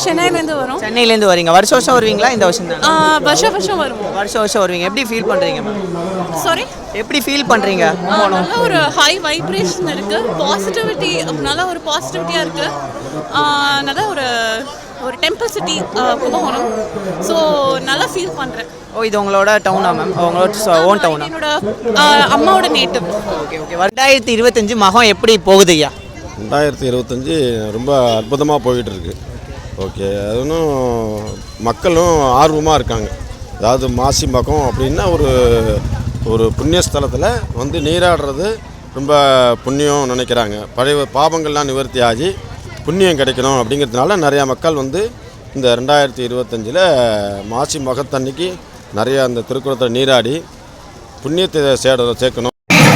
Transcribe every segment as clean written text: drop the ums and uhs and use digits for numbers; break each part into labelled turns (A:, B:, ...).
A: சென்னையிலேருந்து வரோம்.
B: சென்னையிலேருந்து வரீங்க. வருஷம் வருஷம் வருவீங்களா? இந்த வருஷம் தான்
A: வருஷம் வருவோம்.
B: வருஷம் வருஷம் வருவீங்க. எப்படி ஃபீல் பண்ணுறீங்க மேம்?
A: சாரி,
B: எப்படி ஃபீல் பண்ணுறீங்க?
A: நல்ல ஒரு ஹை வைப்ரேஷன் இருக்குது, பாசிட்டிவிட்டி, நல்ல ஒரு பாசிட்டிவிட்டியாக இருக்குது. நல்ல ஒரு டெம்பிள் சிட்டி கும்பகோணம். ஸோ நல்லா ஃபீல் பண்ணுறேன்.
B: ஓ, இது உங்களோட டவுனா மேம்? உங்களோட ஓன் டவுனா?
A: என்னோட அம்மாவோட நேட்டிவ்.
B: Okay okay. 2025 மகம் எப்படி போகுது ஐயா?
C: 2025 ரொம்ப அற்புதமாக போயிட்டுருக்கு. ஓகே, அது ஒன்றும் மக்களும் ஆர்வமாக இருக்காங்க. அதாவது மாசி மகம் அப்படின்னா ஒரு புண்ணியஸ்தலத்தில் வந்து நீராடுறது ரொம்ப புண்ணியம் நினைக்கிறாங்க. பழைய பாவங்கள்லாம் நிவர்த்தி ஆகி புண்ணியம் கிடைக்கணும் அப்படிங்கிறதுனால நிறையா மக்கள் வந்து இந்த 2025 மாசி மகத்தன்னைக்கு நிறையா அந்த திருக்குளத்தில் நீராடி புண்ணியத்தை சேர்க்கணும்.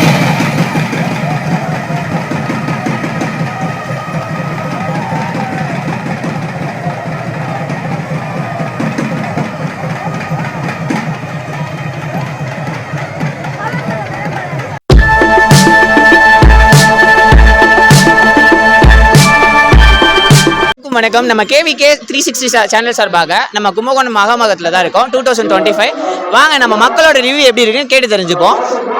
B: வணக்கம். நம்ம KVK 360 சேனல் சார்பாக நம்ம கும்பகோணம் மகாமகத்தில் தான் இருக்கோம். 2025 வாங்க நம்ம மக்களோட ரிவ்யூ எப்படி இருக்குன்னு கேட்டு தெரிஞ்சுப்போம்.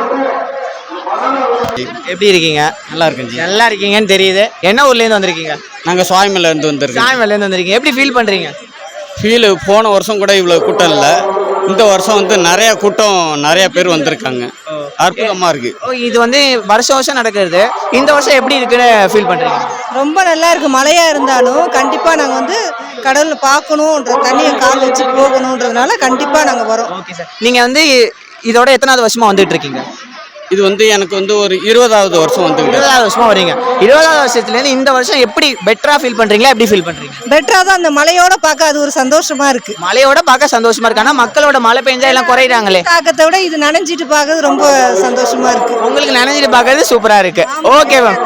B: எப்படி இருக்கீங்க?
D: நல்லா இருக்குங்க.
B: நல்லா இருக்கீங்கன்னு தெரியுது. என்ன ஊர்லேருந்து வந்திருக்கீங்க?
D: நாங்கள் சுவாமிலேருந்து வந்திருக்கோம்.
B: சுவாமிலேருந்து வந்திருக்கீங்க. எப்படி ஃபீல் பண்ணுறீங்க?
D: ஃபீல் போன வருஷம் கூட இவ்வளோ கூட்டம் இல்லை. இந்த வருஷம் வந்து நிறைய கூட்டம், நிறைய பேர் வந்திருக்காங்க. அற்புதமாக இருக்குது.
B: ஓ, இது வந்து வருஷம் வருஷம் நடக்கிறது. இந்த வருஷம் எப்படி இருக்குன்னு ஃபீல் பண்ணுறீங்க?
E: ரொம்ப நல்லா இருக்குது. மழையாக இருந்தாலும் கண்டிப்பாக நாங்கள் வந்து கடலில் பார்க்கணுன்ற, தண்ணியை கால் வச்சு போகணுன்றதுனால கண்டிப்பாக நாங்கள் வரோம்.
B: Okay sir. நீங்கள் வந்து இதோட எத்தனாவது வருஷமாக வந்துட்டு இருக்கீங்க?
D: இது வந்து எனக்கு வந்து ஒரு 20வது வருஷம் வந்துக்கிட்டு.
B: 20வது வருஷமா வரீங்க. 20வது வருஷத்துலேருந்து இந்த வருஷம் எப்படி பெட்டராக ஃபீல் பண்ணுறீங்களா? எப்படி ஃபீல் பண்ணுறீங்க?
E: பெட்டராக தான், அந்த மழையோட பார்க்க அது ஒரு சந்தோஷமாக இருக்குது.
B: மழையோட பார்க்க சந்தோஷமா இருக்கு. ஆனால் மக்களோட மழை பெஞ்சா எல்லாம் குறையிறாங்களே.
E: தாக்கத்தை விட இது நனைஞ்சிட்டு பார்க்கறது ரொம்ப சந்தோஷமாக இருக்குது.
B: உங்களுக்கு நினைஞ்சிட்டு பார்க்கறது சூப்பராக இருக்கு. Okay ma'am.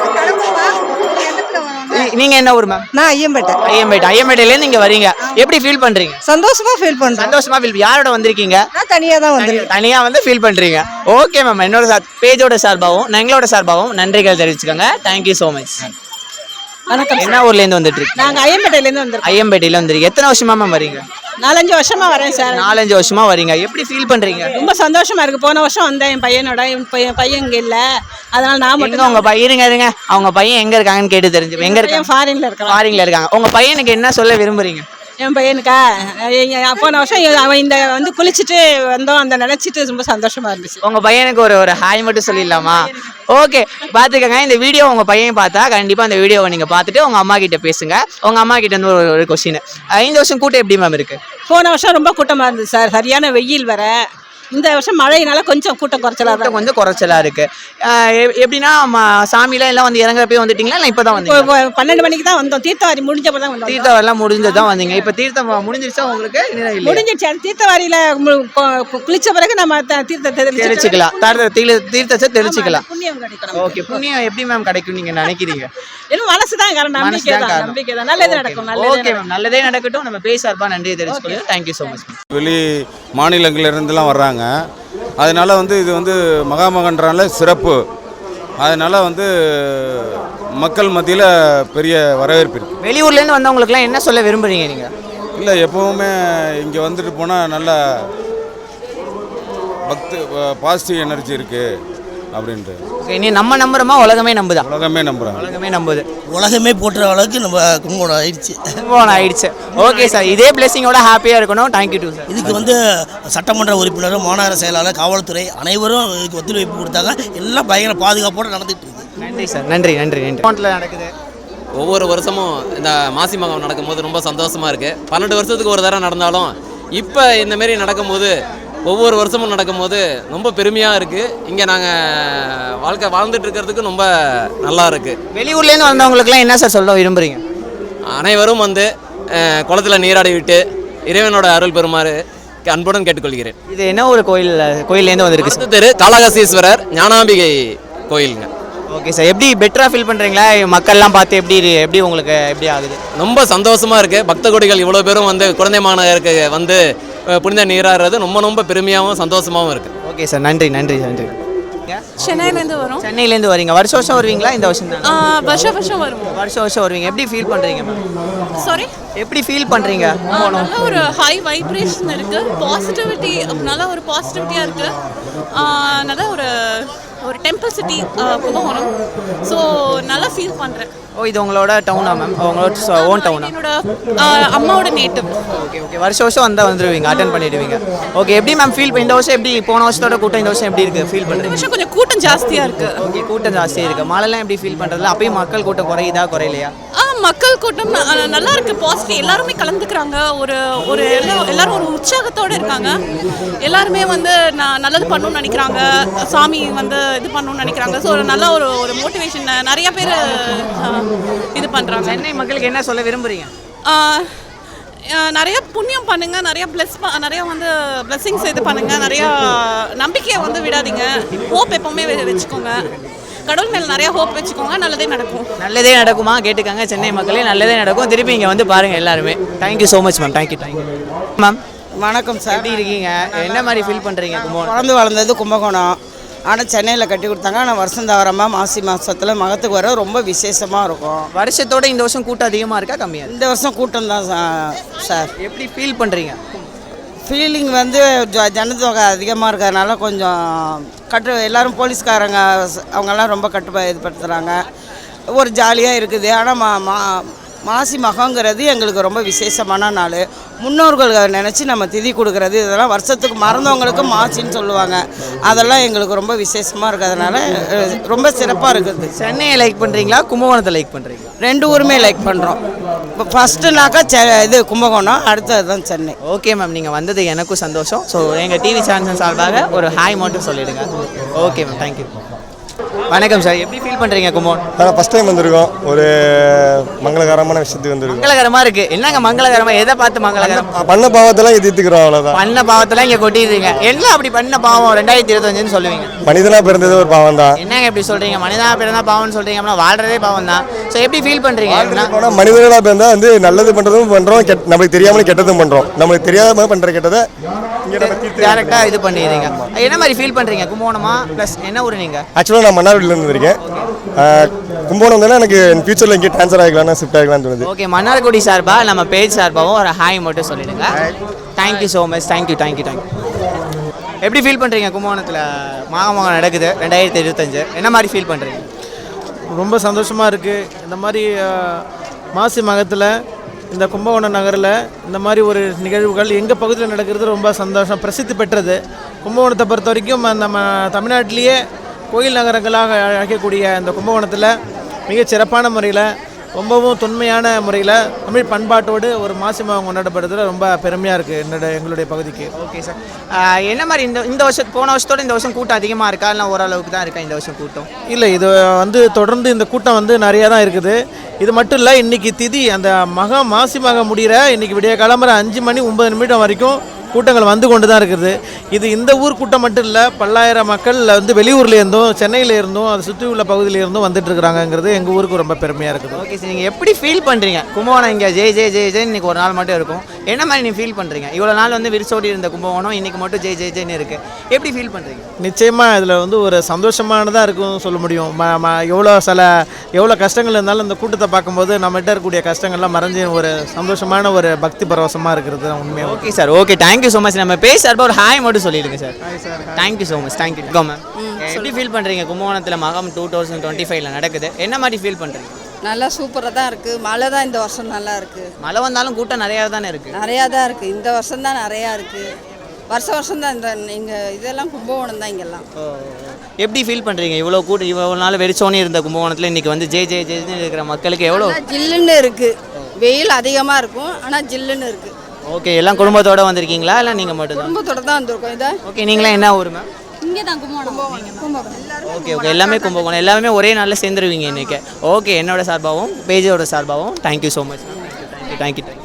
B: நீங்க என்ன ஊர் மேம்?
E: நான் ஐயம்பேட்டை.
B: ஐயம்பேட்டையிலேருந்து இங்கே வரீங்க. எப்படி ஃபீல் பண்ணுறீங்க?
E: சந்தோஷமாக ஃபீல் பண்ணுறேன்.
B: சந்தோஷமா ஃபீல். யாரோட வந்திருக்கீங்க?
E: நான் தனியாக தான் வந்திருக்கேன்.
B: தனியாக வந்து ஃபீல் பண்ணுறீங்க. Okay ma'am. என்னோட பேஜோட சார்பாகவும் எங்களோட சார்பாகவும் நன்றிகள் தெரிவிச்சுக்கோங்க. Thank you so much.
E: வணக்கம்.
B: என்ன ஊர்லேருந்து வந்துட்டு இருக்கீங்க?
E: நாங்கள் ஐயம்பேட்டையிலேருந்து வந்திருக்கோம்.
B: ஐயம்பேட்டையில் வந்துருக்கு. எத்தனை வருஷமா மேம் வரீங்க?
E: 4-5 வருஷமாக வரேன் சார்.
B: 4-5 வருஷமா வரீங்க. எப்படி ஃபீல் பண்ணுறீங்க?
E: ரொம்ப சந்தோஷமாக இருக்குது. போன வருஷம் வந்தேன் என் பையனோட. என் பையன் இங்கே இல்லை, அதனால் நான் மட்டும்.
B: உங்க பையன் இருங்க, அவங்க பையன் எங்க இருக்காங்கன்னு கேட்டு தெரிஞ்சு. எங்க இருக்காங்க?
E: ஃபாரின்ல இருக்காங்க.
B: ஃபாரின்ல இருக்காங்க. உங்க பையனுக்கு என்ன சொல்ல விரும்புறீங்க?
E: என் பையனுக்கா, போன வருஷம் அவன் இந்த வந்து குளிச்சுட்டு வந்தோம், அந்த நினைச்சிட்டு ரொம்ப சந்தோஷமா இருந்துச்சு.
B: உங்க பையனுக்கு ஒரு ஹாய் மட்டும் சொல்லிடலாமா? ஓகே, பாத்துக்கங்க. இந்த வீடியோ உங்க பையன் பார்த்தா கண்டிப்பா அந்த வீடியோவை நீங்க பார்த்துட்டு உங்க அம்மா கிட்ட பேசுங்க. உங்க அம்மா கிட்ட இருந்து ஒரு கொஸ்டின். இந்த வருஷம் கூட்டம் எப்படி மேம் இருக்கு?
E: போன வருஷம் ரொம்ப கூட்டமா இருந்துச்சு சார், சரியான வெயில் வர. இந்த வருஷம் மழையினால கொஞ்சம் கூட்டம்
B: குறைச்சலா இருக்கு. எப்படின்னா சாமியில எல்லாம் வந்து இறங்கப்பே வந்துட்டீங்களா? இல்லை இப்பதான் வந்து
E: 12 மணிக்கு தான் வந்தோம். தீர்த்தவாரி முடிஞ்சப்பதான் வந்தோம்.
B: தீர்த்தவாரிலாம் முடிஞ்சதான் வந்தீங்க. இப்ப தீர்த்தம் முடிஞ்சிருச்சா உங்களுக்கு?
E: முடிஞ்சிருச்சு. அந்த தீர்த்தவாரியில குளிச்ச பிறகு நம்ம தீர்த்தத்தை
B: தெளிச்சுக்கலாம். தீர்த்தத்தை தெளிச்சுக்கலாம்.
E: புண்ணியம் கிடைக்கும்.
B: ஓகே, புண்ணியம் எப்படி மேம் கிடைக்கும் நீங்க நினைக்கிறீங்க?
E: இன்னும் மனசுதான் காரணம். நம்பிக்கை தான். நல்லதே நடக்கும்.
B: ஓகே மேம், நல்லதே நடக்கட்டும். நம்ம பேசார்பா நன்றியை தெரிவிச்சுக்கொள்ளுங்க. Thank you so much.
C: வெளி மாநிலங்கள்ல இருந்துலாம் வர்றாங்க. அதனால் வந்து இது வந்து மகாமகன்றால சிறப்பு. அதனால் வந்து மக்கள் மத்தியில் பெரிய வரவேற்பு இருக்குது.
B: வெளியூர்லேருந்து வந்தவங்களுக்குலாம் என்ன சொல்ல விரும்புகிறீங்க நீங்கள்?
C: இல்லை, எப்போவுமே இங்கே வந்துட்டு போனால் நல்ல பாசிட்டிவ் எனர்ஜி இருக்குது அப்படின்ட்டு.
B: ஓகே, நீ நம்ம நம்புறோமா? உலகமே நம்புதா?
C: உலகமே நம்புகிறாங்க.
B: உலகமே நம்புது.
F: உலகமே போட்டுற அளவுக்கு நம்ம கும்பகோணம் ஆயிடுச்சு.
B: ஓகே சார், இதே பிளெஸிங்கோட ஹாப்பியாக இருக்கணும். Thank you too sir.
F: இதுக்கு வந்து சட்டமன்ற உறுப்பினரும், மாநகர செயலாளர், காவல்துறை அனைவரும் இதுக்கு ஒத்துழைப்பு கொடுத்தாங்க. எல்லாம் பயங்கர பாதுகாப்போடு நடந்துட்டு இருக்கு.
B: நன்றி சார். நன்றி. நடக்குது.
G: ஒவ்வொரு வருஷமும் இந்த மாசி மகம் நடக்கும்போது ரொம்ப சந்தோஷமாக இருக்குது. 12 வருஷத்துக்கு ஒரு தடவை நடந்தாலும் இப்போ இந்தமாரி நடக்கும்போது, ஒவ்வொரு வருஷமும் நடக்கும்போது ரொம்ப பெருமையாக இருக்குது. இங்கே நாங்கள் வாழ்க்கை வாழ்ந்துட்டு இருக்கிறதுக்கு ரொம்ப நல்லா இருக்குது.
B: வெளியூர்லேருந்து வந்தவங்களுக்குலாம் என்ன சார் சொல்ல விரும்புகிறீங்க?
G: அனைவரும் வந்து குளத்தில் நீராடி விட்டு இறைவனோட அருள் பெறுமாறு அன்புடன் கேட்டுக்கொள்கிறேன்.
B: இது என்ன ஒரு கோயிலேருந்து வந்திருக்கு?
G: திரு காளகசீஸ்வரர் ஞானாம்பிகை கோயிலுங்க.
B: ஓகே சார், எப்படி பெட்டராக ஃபீல் பண்ணுறீங்களா? மக்கள்லாம் பார்த்து எப்படி உங்களுக்கு எப்படி ஆகுது?
G: ரொம்ப சந்தோஷமாக இருக்குது. பக்த கோடிகள் இவ்வளோ பேரும் வந்து குழந்தை மாநகருக்கு வந்து புனித நீராடுறது ரொம்ப பெருமையாகவும் சந்தோஷமாகவும் இருக்குது.
B: ஓகே சார், நன்றி. வரீங்க?
A: சென்னையிலேருந்து வரோம்.
B: சென்னையிலேருந்து வரீங்க. வருஷம் வருஷம் வருவீங்களா இந்த வருஷம் தான்?
A: வருஷம் வருஷம் வருவோம்.
B: வருஷம் வருஷம் வருவீங்க. எப்படி ஃபீல் பண்ணுறீங்க மேம்?
A: சாரி,
B: எப்படி ஃபீல் பண்ணுறீங்க?
A: நல்ல ஒரு ஹை வைப்ரேஷன் இருக்குது. பாசிட்டிவிட்டி, நல்ல ஒரு பாசிட்டிவிட்டியாக இருக்குது. நல்ல ஒரு டெம்பிள் சிட்டி கும்பகோணம். ஸோ நல்லா ஃபீல் பண்ணுறேன்.
B: ஓ, இது உங்களோட டவுனா மேம்? உங்களோட ஓன் டவுனா?
A: என்னோட அம்மாவோட நேட்டிவ்.
B: Okay okay. வருஷம் வருஷம் வந்துருவீங்க, அட்டன் பண்ணிடுவீங்க. ஓகே, எப்படி மேம் ஃபீல் இந்த வருஷம் எப்படி போன வருஷத்தோட கூட்டம் இந்த வருஷம் எப்படி இருக்குது ஃபீல் பண்ணுறீங்க?
A: வருஷம் கொஞ்சம் கூட்டம் ஜாஸ்தியாக இருக்குது.
B: ஓகே, கூட்டம் ஜாஸ்தியாக இருக்குது. மழைலாம் எப்படி ஃபீல் பண்ணுறதுல? அப்பயும் மக்கள் கூட்டம் குறையுதா குறையிலையா?
A: மக்கள் கூட்டம் நல்லா இருக்குது. பாசிட்டிவ், எல்லாருமே கலந்துக்கிறாங்க. ஒரு எல்லாரும் ஒரு உற்சாகத்தோடு இருக்காங்க. எல்லாருமே வந்து நான் நல்லது பண்ணணும்னு நினைக்கிறாங்க. சாமி வந்து இது பண்ணணும்னு நினைக்கிறாங்க. ஸோ நல்ல ஒரு மோட்டிவேஷன் நிறைய பேர் இது பண்ணுறாங்க.
B: சென்னை மக்களுக்கு என்ன சொல்ல விரும்புகிறீங்க?
A: நிறைய புண்ணியம் பண்ணுங்க, நிறைய நிறைய வந்து பிளெஸிங்ஸ் இது பண்ணுங்க, நிறைய நம்பிக்கையை வந்து விடாதீங்க. ஹோப் எப்பவுமே வச்சுக்கோங்க. கடவுள் மேலே நிறைய ஹோப் வச்சுக்கோங்க. நல்லதே நடக்கும்.
B: நல்லதே நடக்குமா? கேட்டுக்காங்க சென்னை மக்களே, நல்லதே நடக்கும். திருப்பி இங்கே வந்து பாருங்கள் எல்லாருமே. Thank you so much ma'am. Thank you ma'am.
H: வணக்கம் சார்.
B: எப்படி இருக்கீங்க? என்ன மாதிரி ஃபீல் பண்ணுறீங்க?
H: பிறந்து வளர்ந்தது கும்பகோணம். ஆனால் சென்னையில் கட்டி கொடுத்தாங்க. ஆனால் வருஷம் தவறமாக மாசி மாதத்தில் மகத்துக்கு வர ரொம்ப விசேஷமாக இருக்கும்.
B: வருஷத்தோட இந்த வருஷம் கூட்டம் அதிகமாக இருக்கா கம்மியாக?
H: இந்த வருஷம் கூட்டம் தான் சார்.
B: எப்படி ஃபீல் பண்ணுறீங்க?
H: ஃபீலிங் வந்து ஜனத்தொகை அதிகமாக இருக்கிறதுனால கொஞ்சம் எல்லோரும் போலீஸ்காரங்க அவங்கெல்லாம் ரொம்ப இதுபடுத்துகிறாங்க. ஒரு ஜாலியாக இருக்குது. ஆனால் மாசி மகங்கிறது எங்களுக்கு ரொம்ப விசேஷமான நாள். முன்னோர்கள் நினச்சி நம்ம திதி கொடுக்குறது, இதெல்லாம் வருஷத்துக்கு மறந்தவங்களுக்கு மாசின்னு சொல்லுவாங்க. அதெல்லாம் எங்களுக்கு ரொம்ப விசேஷமாக இருக்கிறதுனால ரொம்ப சிறப்பாக இருக்குது.
B: சென்னையை லைக் பண்ணுறீங்களா கும்பகோணத்தை லைக் பண்ணுறீங்களா?
H: ரெண்டு ஊருமே லைக் பண்ணுறோம். இப்போ ஃபஸ்ட்டுனாக்கா இது கும்பகோணம், அடுத்தது தான் சென்னை.
B: ஓகே மேம், நீங்கள் வந்தது எனக்கும் சந்தோஷம். ஸோ எங்கள் டிவி சேனல் சார்பாக ஒரு ஹாய் மட்டும் சொல்லிவிடுங்க. Okay ma'am, thank you. வணக்கம் சார். எப்படி ஃபீல் பண்ணுறீங்க கும்பகோணம்?
I: நான் ஃபஸ்ட் டைம் வந்திருக்கோம். ஒரு மங்களகரமான விஷயத்துக்கு வந்திருக்கோம்.
B: மங்களகரமாக இருக்குது. என்னங்க மங்களகரமாக? எதை பார்த்து மங்களகரம்?
I: பண்ண பாவத்தெல்லாம் தீர்த்துக்கிறோம், அவ்வளோதான்.
B: பண்ண பாவத்தெல்லாம் இங்கே கொட்டிடுறீங்க. எல்லாம் அப்படி பண்ண பாவம் 2025 சொல்லுவீங்க.
I: மனிதனாக பிறந்தது ஒரு பாவம் தான்.
B: என்னங்க எப்படி சொல்கிறீங்க? மனிதனாக பிறந்தா பாவம்னு சொல்கிறீங்க. அப்படின்னா வாழ்றதே பாவம் தான். ஸோ எப்படி ஃபீல் பண்ணுறீங்க?
I: மனிதனாக பிறந்தா வந்து நல்லது பண்ணுறதும் பண்ணுறோம், நம்மளுக்கு தெரியாமலே கெட்டதும் பண்ணுறோம். நம்மளுக்கு தெரியாம பண்ணுற கெட்டதை
B: டேரெக்டாக இது பண்ணிடுறீங்க. என்ன மாதிரி ஃபீல் பண்ணுறீங்க? கும்பகோணமா ப்ளஸ் என்ன ஊர் நீங்கள்?
I: ஆக்சுவலாக நான் மன்னார்குடியிலேருந்து வந்திருக்கேன். கும்பகோணம் தானே எனக்கு ஃபியூச்சரில் இங்கே ட்ரான்ஸ்ஃபர் ஆகிக்கலாம், ஷிஃப்ட் ஆகிக்கலாம்னு தோணுது.
B: ஓகே, மன்னார்குடி சார்பாக நம்ம பேஜ் சார்பாகவும் ஒரு ஹாய் மட்டும் சொல்லிடுங்க. Thank you so much. தேங்க்யூ. எப்படி ஃபீல் பண்ணுறீங்க? கும்பகோணத்தில் மாகமகம் நடக்குது 2025. என்ன மாதிரி ஃபீல் பண்ணுறீங்க?
J: ரொம்ப சந்தோஷமாக இருக்குது. இந்த மாதிரி மாசி மகத்தில் இந்த கும்பகோணம் நகரில் இந்த மாதிரி ஒரு நிகழ்வுகள் எங்கள் பகுதியில் நடக்கிறது ரொம்ப சந்தோஷம். பிரசித்தி பெற்றது. கும்பகோணத்தை பொறுத்த வரைக்கும் நம்ம தமிழ்நாட்டிலேயே கோயில் நகரங்களாக அழைக்கக்கூடிய இந்த கும்பகோணத்தில் மிகச் சிறப்பான முறையில், ரொம்பவும் தொன்மையான முறையில் தமிழ் பண்பாட்டோடு ஒரு மாசி மகம் கொண்டாடப்படுறதுல ரொம்ப பெருமையாக இருக்குது எங்களுடைய பகுதிக்கு.
B: Okay sir. என்ன மாதிரி இந்த வருஷம் போன வருஷத்தோடு இந்த வருஷம் கூட்டம் அதிகமாக இருக்கா, இல்லை ஓரளவுக்கு தான் இருக்கா இந்த வருஷம் கூட்டம்?
J: இல்லை, இது வந்து தொடர்ந்து இந்த கூட்டம் வந்து நிறையா தான் இருக்குது. இது மட்டும் இல்லை, இன்றைக்கி திதி அந்த மாசி மகம் முடிகிற இன்றைக்கி விடிய கிளம்புற 5 மணி 9 நிமிடம் வரைக்கும் கூட்டங்கள் வந்து கொண்டு தான் இருக்குது. இது இந்த ஊர் கூட்டம் மட்டும் இல்லை, பல்லாயிரம் மக்கள் வந்து வெளியூர்லேருந்தும் சென்னையிலேருந்தும் அதை சுற்றி உள்ள பகுதியிலேருந்தும் வந்துட்டு இருக்கிறாங்கிறது எங்கள் ஊருக்கு ரொம்ப பெருமையாக இருக்குது.
B: ஓகே சார், நீங்கள் எப்படி ஃபீல் பண்ணுறீங்க? கும்பகோணம் இங்கே ஜெய் ஜெய் ஜெய் ஜெய் இன்றைக்கி ஒரு நாள் மட்டும் இருக்கும். என்ன மாதிரி நீங்கள் ஃபீல் பண்ணுறீங்க? இவ்வளோ நாள் வந்து விரிசோடி இருந்த கும்பகோணம் இன்றைக்கி மட்டும் ஜெய் ஜெய் ஜெய்னு இருக்குது. எப்படி ஃபீல் பண்ணுறீங்க?
J: நிச்சயமாக இதில் வந்து ஒரு சந்தோஷமானதாக இருக்கும் சொல்ல முடியும். எவ்வளோ கஷ்டங்கள் இருந்தாலும் இந்த கூட்டத்தை பார்க்கும்போது நம்மகிட்ட இருக்கக்கூடிய கஷ்டங்கள்லாம் மறைஞ்சி ஒரு சந்தோஷமான ஒரு பக்தி பரவசமாக இருக்கிறது உண்மையாக.
B: Okay sir. Okay, thank you so much. நம்ம பேச சார்பாக ஒரு ஹாய் மட்டும் சொல்லிடுங்க sir. Thank you so much. Thank you ma'am. எப்படி ஃபீல் பண்ணுறீங்க? கும்பகோணத்தில் மகம் 2025 நடக்குது. என்ன மாதிரி ஃபீல் பண்ணுறீங்க?
E: நல்லா சூப்பராக தான் இருக்குது. மழை தான் இந்த வருஷம் நல்லா இருக்குது.
B: மழை வந்தாலும் கூட்டம் நிறையா தானே இருக்குது.
E: நிறையா தான் இருக்குது. இந்த வருஷம் தான் நிறையா இருக்குது. வருஷம் தான் இந்த இங்கே இதெல்லாம் கும்பகோணம் தான் இங்கெல்லாம்.
B: எப்படி ஃபீல் பண்ணுறீங்க? இவ்வளோ நாள் வெறிச்சோனே இருந்த கும்பகோணத்தில் இன்றைக்கி வந்து ஜெய் ஜெய் ஜெய்னு இருக்கிற மக்களுக்கு எவ்வளோ
E: ஜில்லுன்னு இருக்குது. வெயில் அதிகமாக இருக்கும், ஆனால் ஜில்லுன்னு இருக்குது.
B: ஓகே, எல்லாம் குடும்பத்தோடு வந்திருக்கீங்களா இல்லை நீங்கள் மட்டும் தான்?
E: குடும்பத்தோடு தான் வந்திருக்கோம். இதை
B: ஓகே, நீங்களாம் என்ன ஊர் மேம்?
E: இங்கே தான் கும்பகோணம்.
B: ஓகே ஓகே, எல்லாமே கும்பகோணம், எல்லாமே ஒரே நாளில் சேர்ந்துருவீங்க இன்றைக்கி. ஓகே, என்னோட சார்பாகவும் பேஜோட சார்பாகவும் தேங்க்யூ ஸோ மச். தேங்க்யூ.